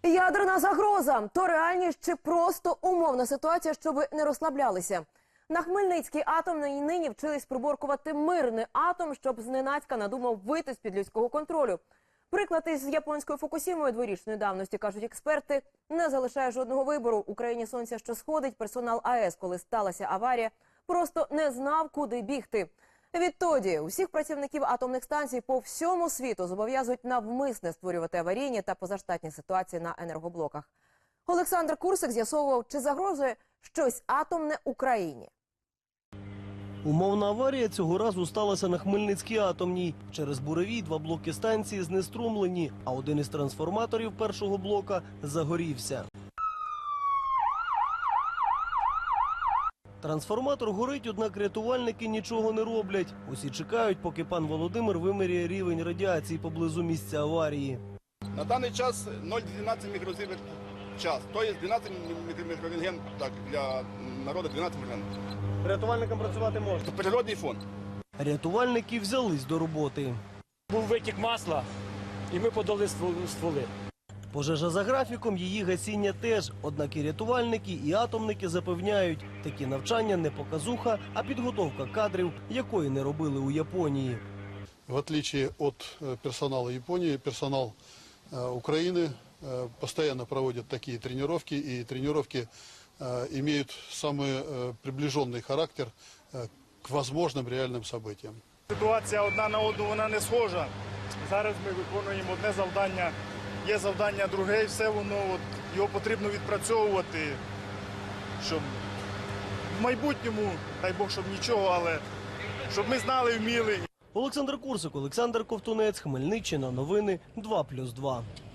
Ядерна загроза – то реальність чи просто умовна ситуація, щоб не розслаблялися? На Хмельницькій атомній нині вчились приборкувати мирний атом, щоб зненацька надумав вийти з-під людського контролю. Приклад із японською Фукусімою дворічної давності, кажуть експерти, не залишає жодного вибору. Україні сонця, що сходить, персонал АЕС, коли сталася аварія, просто не знав, куди бігти. Відтоді усіх працівників атомних станцій по всьому світу зобов'язують навмисне створювати аварійні та позаштатні ситуації на енергоблоках. Олександр Курсик з'ясовував, чи загрожує щось атомне Україні. Умовна аварія цього разу сталася на Хмельницькій атомній. Через буревій 2 блоки станції знеструмлені, а один із трансформаторів першого блока загорівся. Трансформатор горить, однак рятувальники нічого не роблять. Усі чекають, поки пан Володимир виміряє рівень радіації поблизу місця аварії. На даний час 0,12 мікрозівер в час. Тобто 12 мікрорентген, так, для народу 12 мікрорентген. Рятувальникам працювати можна. Це природний фон. Рятувальники взялись до роботи. Був витік масла, і ми подали стволи. Пожежа за графіком, її гасіння теж. Однак і рятувальники, і атомники запевняють, такі навчання не показуха, а підготовка кадрів, якої не робили у Японії. В отличие от персонала Японии, персонал Украины постоянно проводит такие тренировки, и тренировки имеют самый приближенный характер к возможным реальным событиям. Ситуація одна на одну, вона не схожа. Зараз ми виконуємо одне завдання, є завдання друге, і все воно, його потрібно відпрацьовувати, щоб в майбутньому, дай Бог, щоб нічого, але щоб ми знали, вміли. Олександр Курсик, Олександр Ковтунець, Хмельниччина, новини 2+2.